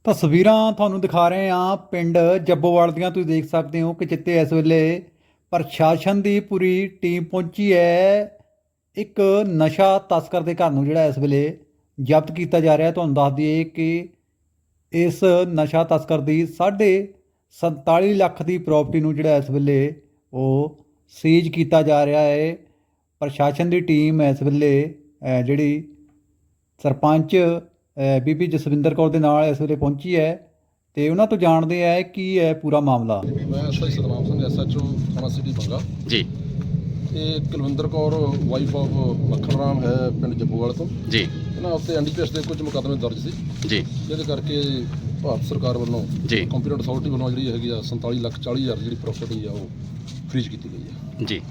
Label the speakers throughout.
Speaker 1: ਤਸਵੀਰਾਂ ਤੁਹਾਨੂੰ ਦਿਖਾ ਰਹੇ ਹਾਂ ਪਿੰਡ ਜੱਬੋਵਾਲ ਦੀਆਂ। ਤੁਸੀਂ ਦੇਖ ਸਕਦੇ ਹੋ ਕਿ ਜਿੱਥੇ ਇਸ ਵੇਲੇ ਪ੍ਰਸ਼ਾਸਨ ਦੀ ਪੂਰੀ ਟੀਮ ਪਹੁੰਚੀ ਹੈ। ਇੱਕ ਨਸ਼ਾ ਤਸਕਰ ਦੇ ਘਰ ਨੂੰ ਜਿਹੜਾ ਇਸ ਵੇਲੇ ਜ਼ਬਤ ਕੀਤਾ ਜਾ ਰਿਹਾ। ਤੁਹਾਨੂੰ ਦੱਸ ਦਈਏ ਕਿ ਇਸ ਨਸ਼ਾ ਤਸਕਰ ਦੀ 47 ਲੱਖ ਦੀ ਪ੍ਰਾਪਰਟੀ ਨੂੰ ਜਿਹੜਾ ਇਸ ਵੇਲੇ ਉਹ ਸੀਜ਼ ਕੀਤਾ ਜਾ ਰਿਹਾ ਹੈ। ਪ੍ਰਸ਼ਾਸਨ ਦੀ ਟੀਮ ਇਸ ਵੇਲੇ ਜਿਹੜੀ ਸਰਪੰਚ ਬੀਬੀ ਜਸਵਿੰਦਰ ਕੌਰ ਦੇ ਨਾਲ ਇਸ ਵੇਲੇ ਪਹੁੰਚੀ ਹੈ ਤੇ ਉਹਨਾਂ ਤੋਂ ਜਾਣਦੇ ਆ ਕੀ ਹੈ ਪੂਰਾ ਮਾਮਲਾ।
Speaker 2: ਮੈਂ ਐਸਆਈ ਸਤਨਾਮ ਸਿੰਘ ਐਸਐਚਓ ਥਾਣਾ ਸਿਟੀ ਬੰਗਾ
Speaker 3: ਜੀ।
Speaker 2: ਤੇ ਕੁਲਵਿੰਦਰ ਕੌਰ ਵਾਈਫ ਆਫ ਮੱਖਣ ਰਾਮ ਹੈ ਪਿੰਡ ਜੱਬੋਵਾਲ ਤੋਂ ਜੀ। ਇਹਨਾਂ ਉੱਤੇ ਐਨਡੀਪੀਐਸ ਦੇ ਕੁਝ ਮੁਕੱਦਮੇ ਦਰਜ ਸੀ ਜੀ, ਜਿਹਦੇ ਕਰਕੇ ਭਾਰਤ ਸਰਕਾਰ ਵੱਲੋਂ ਕੰਪੀਟੈਂਟ ਅਥਾਰਟੀ ਵੱਲੋਂ ਜਿਹੜੀ ਹੈਗੀ ਆ 47,40,000 ਜਿਹੜੀ ਪ੍ਰਾਪਰਟੀ ਆ ਉਹ ਫ੍ਰੀਜ਼ ਕੀਤੀ ਗਈ ਹੈ ਜੀ।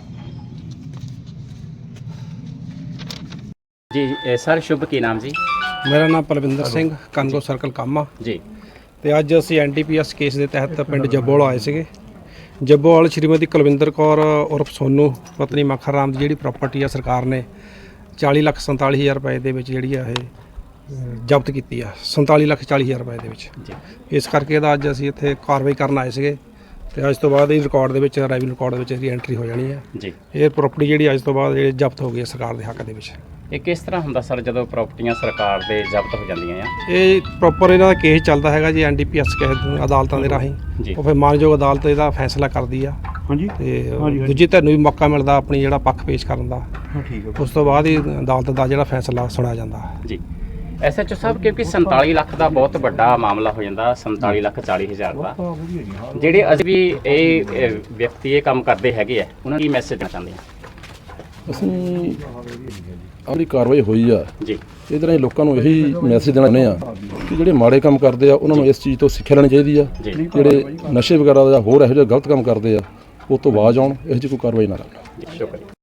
Speaker 3: ਜੀ ਸਰ ਸ਼ੁਭ ਕੀ ਨਾਮ ਜੀ?
Speaker 4: ਮੇਰਾ ਨਾਮ ਪਲਵਿੰਦਰ ਸਿੰਘ ਕਾਂਗੋ ਸਰਕਲ ਕਾਮਾ ਜੀ। ਤੇ ਅੱਜ ਅਸੀਂ ਐਨਡੀਪੀਐਸ ਕੇਸ ਦੇ ਤਹਿਤ ਪਿੰਡ ਜੱਬੋਵਾਲ ਆਏ ਸੀਗੇ। ਜੱਬੋਵਾਲ ਸ਼੍ਰੀਮਤੀ ਕੁਲਵਿੰਦਰ ਕੌਰ ਉਰਫ ਸੋਨੂ ਪਤਨੀ ਮੱਖਣ ਰਾਮ ਦੀ ਜਿਹੜੀ ਪ੍ਰਾਪਰਟੀ ਆ ਸਰਕਾਰ ਨੇ 40,47,000 ਰੁਪਏ ਦੇ ਵਿੱਚ ਜਿਹੜੀ ਆ ਇਹ ਜ਼ਬਤ ਕੀਤੀ ਆ। 47,40,000 ਰੁਪਏ ਦੇ ਵਿੱਚ। ਇਸ ਕਰਕੇ ਇਹਦਾ ਅੱਜ ਅਸੀਂ ਇੱਥੇ ਕਾਰਵਾਈ ਕਰਨ ਆਏ ਸੀਗੇ ਤੇ ਅੱਜ ਤੋਂ ਬਾਅਦ ਇਹ ਰਿਕਾਰਡ ਦੇ ਵਿੱਚ ਰੈਵਨਿਊ ਰਿਕਾਰਡ ਦੇ ਵਿੱਚ ਇਹਦੀ ਐਂਟਰੀ ਹੋ ਜਾਣੀ ਹੈ ਜੀ। ਇਹ ਪ੍ਰਾਪਰਟੀ ਜਿਹੜੀ ਅੱਜ ਤੋਂ ਬਾਅਦ ਜ਼ਬਤ ਹੋ ਗਈ ਹੈ ਸਰਕਾਰ ਦੇ ਹੱਕ ਦੇ ਵਿੱਚ।
Speaker 3: ਇਹ ਕਿਸ ਤਰ੍ਹਾਂ ਹੁੰਦਾ ਸਰ ਜਦੋਂ ਪ੍ਰਾਪਰਟੀਆਂ ਸਰਕਾਰ ਦੇ ਜ਼ਬਤ ਹੋ ਜਾਂਦੀਆਂ ਆ?
Speaker 4: ਇਹ ਪ੍ਰੋਪਰ ਇਹਨਾਂ ਦਾ ਕੇਸ ਚੱਲਦਾ ਹੈਗਾ ਜੀ ਐਨਡੀਪੀਐਸ ਕੇਸ ਅਦਾਲਤਾਂ ਦੇ ਰਾਹੀਂ। ਉਹ ਫਿਰ ਮਾਨਯੋਗ ਅਦਾਲਤ ਇਹਦਾ ਫੈਸਲਾ ਕਰਦੀ ਆ ਤੇ ਦੂਜੀ ਧਿਰ ਨੂੰ ਵੀ ਮੌਕਾ ਮਿਲਦਾ ਆਪਣੀ ਜਿਹੜਾ ਪੱਖ ਪੇਸ਼ ਕਰਨ ਦਾ। ਉਸ ਤੋਂ ਬਾਅਦ ਹੀ ਅਦਾਲਤ ਦਾ ਜਿਹੜਾ ਫੈਸਲਾ ਸੁਣਿਆ ਜਾਂਦਾ ਜੀ।
Speaker 3: ਐਸਐਚਓ ਸਾਹਿਬ, ਕਿਉਂਕਿ 47 ਲੱਖ ਦਾ ਬਹੁਤ ਵੱਡਾ ਮਾਮਲਾ ਹੋ ਜਾਂਦਾ, 47,40,000 ਦਾ। ਜਿਹੜੇ ਅਸੀਂ ਵੀ ਇਹ ਵਿਅਕਤੀ ਇਹ ਕੰਮ ਕਰਦੇ ਹੈਗੇ ਆ, ਉਹਨਾਂ ਨੂੰ ਕੀ ਮੈਸੇਜ ਦੇਣਾ ਚਾਹੁੰਦੇ ਆ?
Speaker 2: ਅਸੀਂ ਆਪਣੀ ਕਾਰਵਾਈ ਹੋਈ ਆ
Speaker 3: ਜੀ,
Speaker 2: ਇਹਦੇ ਰਾਹੀਂ ਲੋਕਾਂ ਨੂੰ ਇਹੀ ਮੈਸੇਜ ਦੇਣਾ ਚਾਹੁੰਦੇ ਆ ਕਿ ਜਿਹੜੇ ਮਾੜੇ ਕੰਮ ਕਰਦੇ ਆ ਉਹਨਾਂ ਨੂੰ ਇਸ ਚੀਜ਼ ਤੋਂ ਸਿੱਖਿਆ ਲੈਣੀ ਚਾਹੀਦੀ ਆ। ਜਿਹੜੇ ਨਸ਼ੇ ਵਗੈਰਾ ਜਾਂ ਹੋਰ ਇਹੋ ਜਿਹੇ ਗਲਤ ਕੰਮ ਕਰਦੇ ਆ ਉਹ ਤੋਂ ਬਾਜ਼ ਆਉਣ, ਇਹੋ ਜਿਹੀ ਕੋਈ ਕਾਰਵਾਈ ਨਾ ਕਰਨ।
Speaker 3: ਸ਼ੁਕਰੀਆ।